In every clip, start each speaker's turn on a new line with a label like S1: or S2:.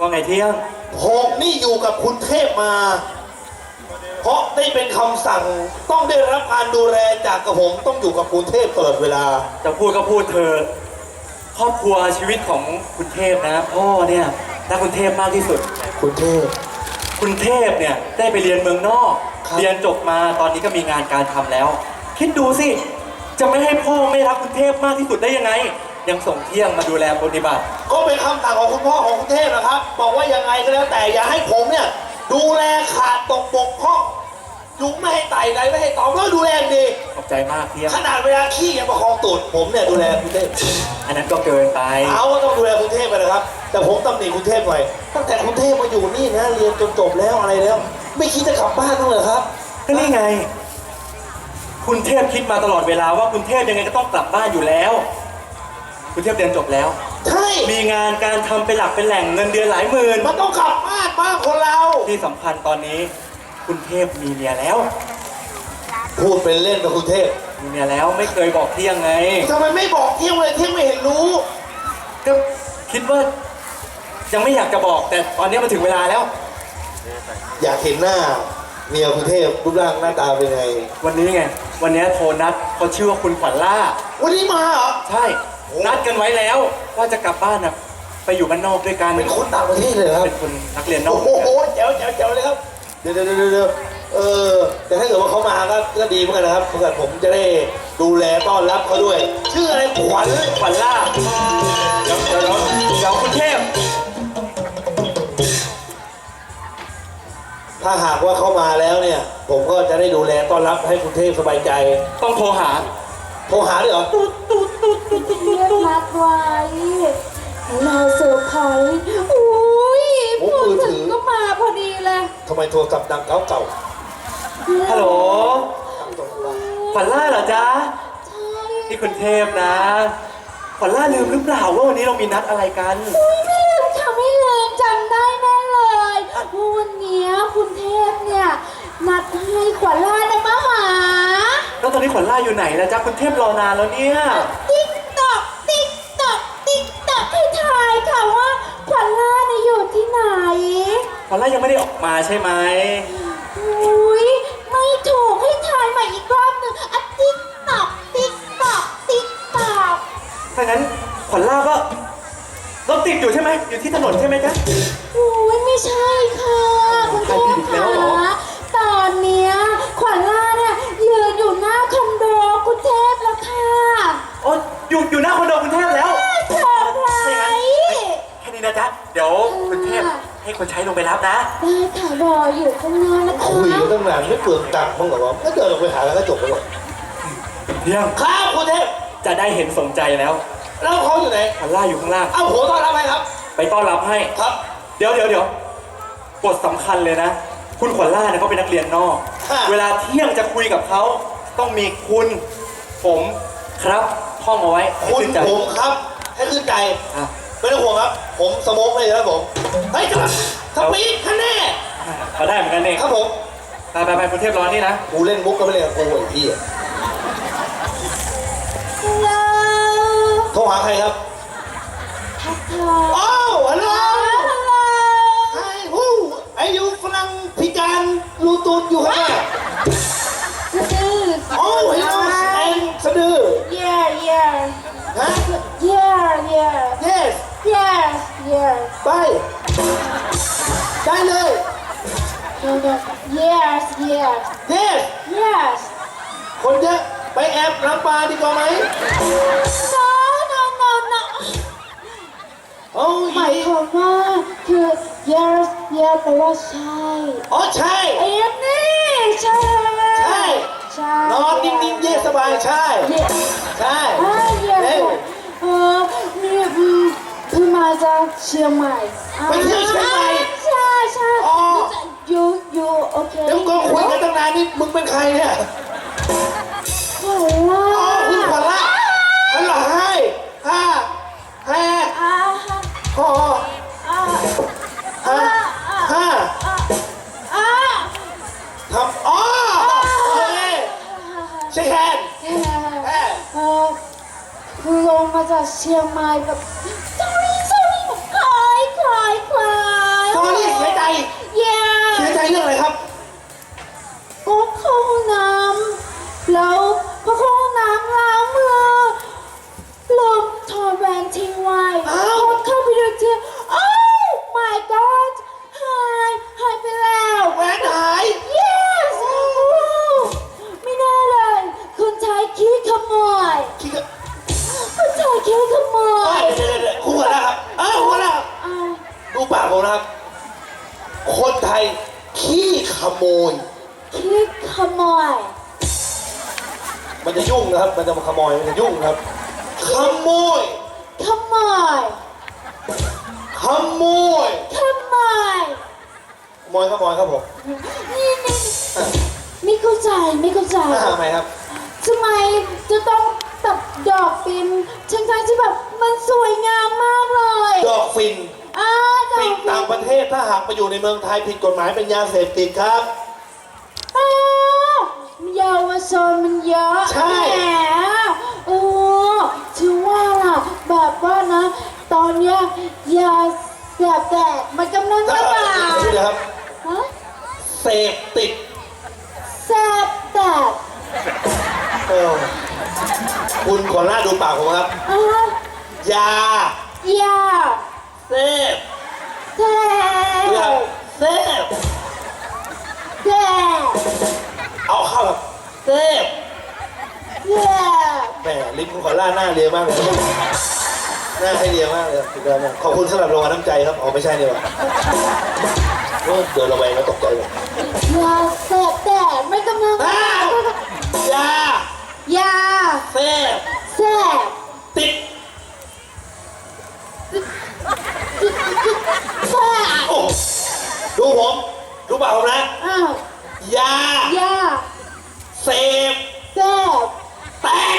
S1: ว่าไงเที่ยง
S2: ผมนี่อยู่กับคุณเทพมาเพราะได้เป็นคำสั่งต้องได้รับการดูแลจากกระผมต้องอยู่กับคุณเทพตลอดเวลา
S1: จะพูดก็พูดเธอครอบครัวชีวิตของคุณเทพนะพ่อเนี่ยรักคุณเทพมากที่สุด
S2: คุณเทพ
S1: เนี่ยได้ไปเรียนเมืองนอกเรียนจบมาตอนนี้ก็มีงานการทำแล้วคิดดูสิจะไม่ให้พ่อไม่รักคุณเทพมากที่สุดได้ยังไงยังส่งเที่ยงมาดูแลปฏิบัติ
S2: ก็เป็นคำสั่งของคุณพ่อของคุณเทพนะครับบอกว่ายังไงก็แล้วแต่อย่าให้ผมเนี่ยดูแลขาดตกบกพร่องยุงไม่ให้ไต่ไรไม่ให้ตอมแล้วดูแลดี
S1: ขอบใจมากเที่ยง
S2: ขนาดเวลาขี้ยังประคองตูดผมเนี่ยดูแลคุณเทพ
S1: อันนั้นก็เกินไป
S2: เขาก็ต้องดูแลคุณเทพไปนะครับแต่ผมตำหนิคุณเทพไว้ตั้งแต่คุณเทพมาอยู่นี่นะเรียนจนจบแล้วอะไรแล้วไม่คิดจะกลับบ้านบ้างเหรอครับ
S1: ก็นี่ไงคุณเทพคิดมาตลอดเวลาว่าคุณเทพยังไงก็ต้องกลับบ้านอยู่แล้วคุณเทพเรียนจบแล้ว
S2: ใช่
S1: มีงานการทำเป็นหลักเป็นแหล่งเงินเดือนหลายหมื่น
S2: มันต้องกลับบ้านบ้างคนเรา
S1: ที่สำคัญตอนนี้คุณเทพมีเมียแล้ว
S2: พูดเป็นเล่นกับคุณเทพ
S1: มีเมียแล้วไม่เคยบอกเที่ยงไง
S2: ทำไมไม่บอกเที่ยงเลยเที่ยงไม่เห็นรู้
S1: ก็คิดว่ายังไม่อยากจะบอกแต่ตอนนี้มันถึงเวลาแล้ว
S2: อยากเห็นหน้าเมียคุณเทพรูปร่างหน้าตาเป็นไง
S1: วันนี้ไงวันนี้โทรนัดเขาชื่อว่าคุณขวัญล่า
S2: วันนี้มาเหรอ
S1: ใช่นัดกันไว้แล้วว่าจะกลับบ้านนะไปอยู่บ้านนอกด้วยกัน
S2: เป็นคนต่างประเทศเลยครับ
S1: เป็นคนนักเรียนนอก
S2: โอ้โหเจ๋วเลยครับเดี๋ยวแต่ถ้าเกิดว่าเขามาก็ดีเหมือนกันนะครับเพื่อผมจะได้ดูแลต้อนรับเขาด้วยชื่ออะไรขวัญล่า
S1: เดี๋ยวคุณเทพ
S2: ถ้าหากว่าเขามาแล้วเนี่ยผมก็จะได้ดูแลต้อนรับให้คุณเทพสบายใจ
S1: ต้องโทรหา
S2: ด้วยเหรอ
S3: เรียกรักไว้เราเซอร์ไพรส์อุ้ยพูดถึงก็มาพอดีเลย
S2: ทำไมโทรศัพท์ดังเก่า
S1: ฮัลโหลขวัญล่าเหรอจ๊ะใช่นี่คุณเทพนะขวัญล่าลืมหรือเปล่าว่าวันนี้เรามีนัดอะไรกัน
S3: ไม่ลืมค่ะไม่ลืมจำได้แน่เลยว่าวันนี้คุณเทพเนี่ยนัดให้ขวัญล่าได้มาหา
S1: แล้วตอนนี้ขวัญล่าอยู่ไหนนะจ๊ะคุณเทพรอนานแล้วเนี่ย
S3: ติ๊กต๊อกให้ทายค่ะว่าขวัญล่าเนี่ยอยู่ที่ไหน
S1: ขวัญล่ายังไม่ได้ออกมาใช่ไหม
S3: อุ้ยไม่ถูกให้ทายใหม่อีกรอบหนึ่งติ๊กต๊อก
S1: ถ้างั้นขวัญล่าก็รถติดอยู่ใช่ไหมอยู่ที่ถนนใช่ไหมจ๊ะ
S3: อุ้ยไม่ใช่ค่ะคุณเทพคะตอนเนี้ยขวัญล่าเนี่ยยืนอยู่หน้าคอนโดคุณเทพแล้วค่ะ
S1: โอ้อยู่หน้าคอนโดคุณเทพแล้ว
S3: เธอใคร
S1: แค่นี้นะจ๊ะเดี๋ยวคุณเทพให้คนใช้ลงไปรับนะ
S3: ได้ค่ะรออยู่ข้างหน้านะคะ
S2: คุยกันตั้งนานไม่เปลืองตังค์บ้างเหรอวะก็เดินลงไปหาแล้วก็จบไปหมด
S1: เที่ยง
S2: ข้าวคุณเทพ
S1: จะได้เห็นสนใจแล้ว
S2: เขาอยู่ไหน
S1: ขวัญล่าอยู่ข้างล่าง
S2: เอาผมต้อนรับให้ครับ
S1: ไปต้อนรับให้
S2: ครับ
S1: เดี๋ยวกฎสำคัญเลยนะคุณขวัญล่าเนี่ยเขาเป็นนักเรียนนอกเวลาเที่ยงจะคุยกับเขาต้องมีคุณผมครับท่องเอาไว้
S2: คุณผมครับให้ขึ้นใจไม่ต้องห่วงครับผมสโมกเลยครับผมเฮ้ยครับสปีดคะแนน
S1: มาได้เหมือนกันเอง
S2: ครับผม
S1: ไปคุณเทพร้อนนี่นะ
S2: กูเล่นมุกก็ไม่เล่นกับกูไอ้พี่โทรหาใครครับอ้าวฮัลโหลไอ้ฮู้ไอ้ยูฝรั่งพิการรูตูดอยู่ข้างหน้าโอ้เฮลโลแอนสะดือ
S3: yeah
S2: ฮะ
S3: yeah
S2: yes ไปได้เลย
S3: yes
S2: คนเยอะไปแอบรับปลาดีกว่าไหม
S3: no
S2: โอ้
S3: หมายความว่าคือ yes แปลว่าใช่
S2: อ๋อใช่
S3: ไอ้นี่ใช่
S2: นอนนิ่งๆเย็นสบายใช่
S3: นี่เพิ่งมาจากเชียงใหม่
S2: ไปเที่ยวเชียงใหม่
S3: ใช่
S2: อ๋อ
S3: อยู่โอเค
S2: เดี๋ยวก็คุยกันตั้งนานนี่มึงเป็นใครเนี่ย
S3: ขวัญล่า
S2: คุณขวัญล่าฮัลโหลให้ทำโอเคเช็คแฮนด์
S3: คือลงมาจากเชียงใหม่แบบsorry คลาย
S2: ผมนะครับ คนไทยขี้ขโมย
S3: คิดขโมย
S2: มันจะยุ่งนะครับ มันจะมาขโมย มันจะยุ่งครับ ขโมย
S3: ขโมย
S2: ขโมย
S3: ขโมย
S2: ขโมยขโมยครับผม
S3: นี่ไม่เข้าใจไม่เข้าใจ
S2: ทำไมครับ
S3: ทำไมจะต้องตัดดอกปินทั้งๆที่แบบมันสวยงามมากเลย
S2: ดอกฟิน
S3: ดอก
S2: ฟินต่างประเทศถ้าหากมาอยู่ในเมืองไทยผิดกฎหมายเป็นยาเสพติดครับ
S3: อ้าวเยาวชนมันเยอะ
S2: ใช่
S3: แหมถือว่าล่ะแบบว่านะ ตอนเนี้ยยาเสพติดมันกำลังระบาด
S2: ชื่อเลยครับ
S3: ฮะ
S2: เสพติด
S3: เสพติด
S2: เออคุณขอหน้าดูปากผมครับ ยา
S3: ยา
S2: เสพ
S3: เส
S2: ดูครับ
S3: พ
S2: เสพ
S3: เสพ
S2: เอาเข้าแบบเสพ
S3: เสพ
S2: แหมลิ้นคุณขอล่าหน้าเรียวมากเลยหน้าให้เรียวมากเลยสุดยอดมากขอบคุณสำหรับรางวัลน้ำใจครับอ๋อไม่ใช่นี่หว่าเดินระแวงแล้วตกใจเลย
S3: ยาเสพติดมันกำลัง
S2: ยา
S3: ยา
S2: เสพ
S3: เสพ
S2: ติด
S3: เสพ
S2: โอ้ดูผมดูปากผมนะ
S3: อ้าวย
S2: า
S3: ยา
S2: เสพ
S3: เสพ
S2: แตก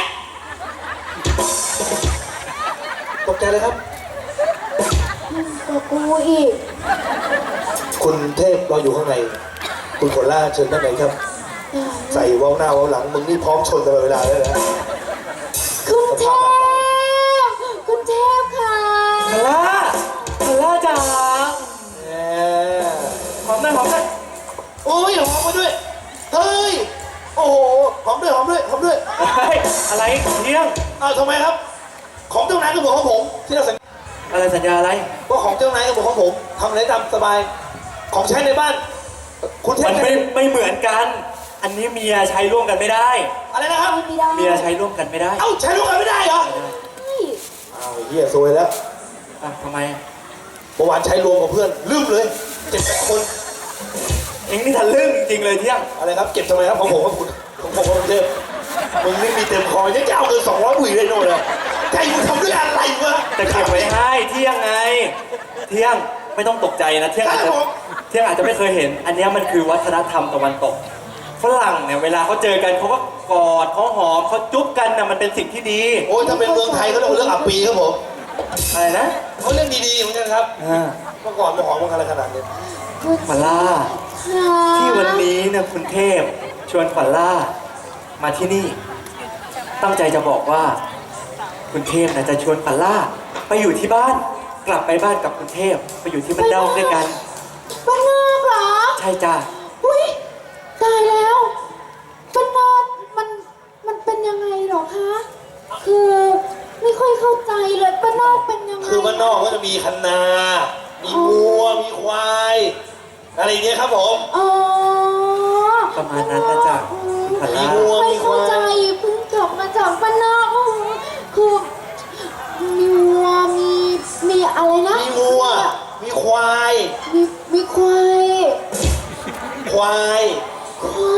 S2: ตกใจเลยครับ
S3: กับกูอีก
S2: คุณเทพรออยู่ข้างใน คุณขนล่าเชิญด้านในครับ ใส่เว้าหน้าเว้าหลังมึงนี่พร้อมชนตลอดเวลาเลยนะ
S3: คุณเทพคุณเทพค่ะ
S1: คาร่าคาร่าจ๋า
S2: แหม
S1: หอมหน่อยหอมหน่อย
S2: โอ้ยหอมมาด้วย เฮ้ย โอ้โห หอมด้วยหอมด้วยหอมด้วย
S1: เฮ้ยอะไรเที่ยง
S2: อ้าวทำไมครับ ของเจ้านายก็เหมือนของผม ที่เราสัญญา
S1: อะไรสัญญาอะไร
S2: ว่าของเจ้านายก็เหมือนของผมทำอะไรตามสบาย ของใช้ในบ้าน คุณเทพ
S1: มันไม่เหมือนกัน อันนี้เมียใช้ร่วมกันไม่ได้
S2: อะไรนะครับ
S3: ไม่ได้
S1: เมียใช้ร่วมกันไม่ได้
S2: เอ้าใช้ร่วมกันไม่ได้เหรอ
S3: เฮ้ย
S2: อ้าวเหี้ยซวยแล้ว
S1: อ่ะทำไม
S2: เมื่อวานใช้รวมกับเพื่อนลืมเลย7-8 คน
S1: เอ็งนี่ทะลึ่งจริงเลยเที่ยง
S2: อะไรครับ เก็บทำไมครับของผมครับคุณของผมครับคุณเทพมึงนี่มีเต็มคอยังจะเอาเงิน200 บุ๋ยเลยโน่นเลยใจมึงทำด้วยอะไรวะ
S1: แต่เก็บไว้ให้เที่ยงไง เที่ยงไม่ต้องตกใจนะเที่ยงอาจจะเที่ยงอาจจะไม่เคยเห็น อันเนี้ยมันคือวัฒนธรรมตะวันตกฝรั่งเนี่ยเวลาเขาเจอกันเขาก็กอดเขาหอมเขาจุ๊บกันนะมันเป็นสิ่งที่ดี
S2: โอ้ยถ้าเป็นเมืองไทยเขาเรียกว่าเรื่องอับปีครับผม
S1: อะไรนะ
S2: เขาเรื่องดีๆเหมือนกันครับ
S1: อ่า
S2: เมื่อก่อนมาหอมกันอะไรขนาดนี้
S1: ขวัญล่า
S3: ค่ะ
S1: ที่วันนี้เนี่ยคุณเทพชวนขวัญล่ามาที่นี่ ตั้งใจจะบอกว่า คุณเทพนะจะชวนขวัญล่าไปอยู่ที่บ้าน กลับไปบ้านกับคุณเทพไปอยู่ที่บ้านนอกด้วยกัน
S3: บ้านนอกเหรอ
S1: ใช่จ้า
S3: อุ้ยตายแล้วบ้านนอกมันเป็นยังไงเหรอคะ คือไม่ค่อยเข้าใจเลยบ้านนอกเป็นยังไง
S2: คือบ้านนอกก็จะมีคันนา มีวัว มีควาย อะไรอย่างเงี้ยครับผม
S3: อ๋อ
S1: ประมาณนั้นนะจ๊ะขวัญ
S2: มี
S1: ล่า
S2: วัว
S3: ไม่
S2: มีค
S3: เข้าว
S2: า
S3: ใจ
S2: ย
S3: เพิ่งกลับมาจากบ้านนอกคือมีวัวมีอะไรนะ
S2: มีวัว มีควาย
S3: มีควาย
S2: ควาย
S3: ควาย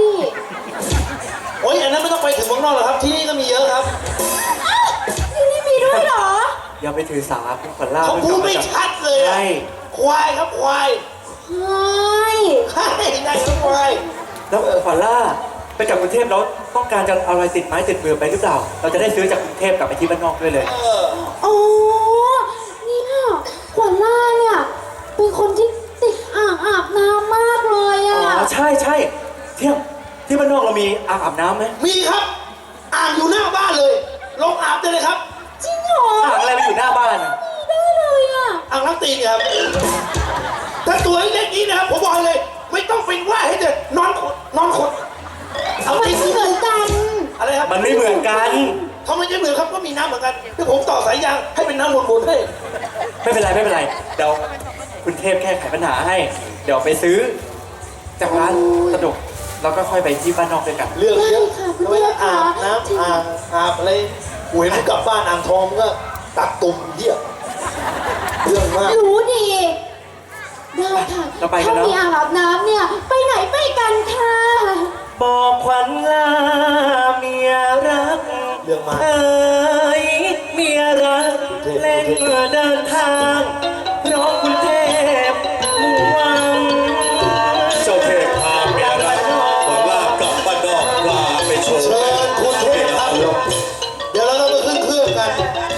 S2: โอ้ยอันนั้นไม่ต้องไปถึงเมืองนอกหรอกครับ ที่นี่ก็มีเยอะครับ
S3: อ้าวที่นี่มีด้วยเหรอ
S1: อย่าไปถือสาคุณขวัญล่า
S2: เขาพูดไม่ชัดเลยอะ
S1: ใช่
S2: ควายครับควาย
S3: ควาย
S2: ใช่ได้ครับควาย
S1: แล้วขวัญล่าไปกับกรุงเทพแล้วต้องการจะเอาอะไรติดไม้ติดมือไปหรือเปล่า เราจะได้ซื้อจากกรุงเทพกลับไปที่บ้านนอกด้วยเลย
S3: อ๋อเนี่ยขวัญล่าเนี่ยเป็นคนที่ติดอ่างอาบน้ำมากเลย
S1: อ๋
S3: อ่ะ
S1: อใช่ใช่เที่ยงที่บ้านนอกเรามีอ่างอาบน้ำไหม
S2: มีครับ อ่างอยู่หน้าบ้านเลย ลงอาบได้เลยครับ
S3: จริงเหรอ
S1: อ่างอะไรมาอยู่หน้าบ้านอะ
S3: มีได้เลยอ่ะ
S2: อ่างล้างตีนครับ ถ้าตัวเล็กๆนี้นะครับผมบอกเลย ไม่ต้องเป็นว่าให้เด็นอนขดนอนขดเอา
S3: มัน
S2: จริง
S3: ไม่เหมือนกัน
S2: อะไรครับ
S1: มันไม่เหมือนกัน
S2: ทำไมจะเหมือนครับก็มีน้ำเหมือนกันที่ผมต่อสายยางให้เป็นน้ำวนๆให้
S1: ไม่เป็นไรไม่เป็นไรเดี๋ยวคุณเทพแค่ไขปัญหาให้ เดี๋ยวไปซื้อ จากร้านสะดวกแล้วก็ค่อยไปที่บ้านนอกด้วยกัน
S2: เรื่องเยอะ
S3: ได้ค่ะคุณ
S2: แล้วเวลา
S3: เทพค่ะ
S2: อาบน้ำอาบอะไรหวยมันกลับบ้านอ่างทองมันก็ตักตุ่มเหี้ยเรื่องมาก
S3: รู้ดีได้ค่ะ
S1: เราไปกัน
S3: ถ้า
S1: เนอะ
S3: มีอ่างอาบน้ำเนี่ย ไปไหนไปกันค่ะ
S1: บอกขวัญลาเมียรัก
S2: เรื่องมาก
S1: เอ้ยเมียรักเล่นเดินทางเพราะคุณเทพมุ่งหวัง
S4: เจ้าเทพพาเมียรักขวัญล่ากลับบ้านนอกพาไปโชว์
S2: เชิญคุณเทพครับ เดี๋ยวเราต้องไปขึ้นเครื่องกัน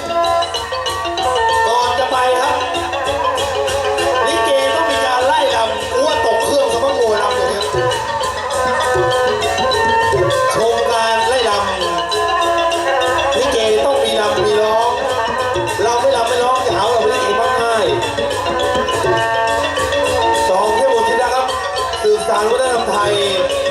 S2: ก่อนจะไปครับลิเกต้องมีการไล่ลำอ้วนตกเครื่องสมมติโวยลำอย่างเงี้ยชมการไล่ลำลิเกต้องมีลำมีร้อง เราไม่ลำไม่ร้องจะหาว่าเราเป็นลิเกมากง่ายสองเทพบุตรธิดาครับสืบสานวัฒนธรรมไทย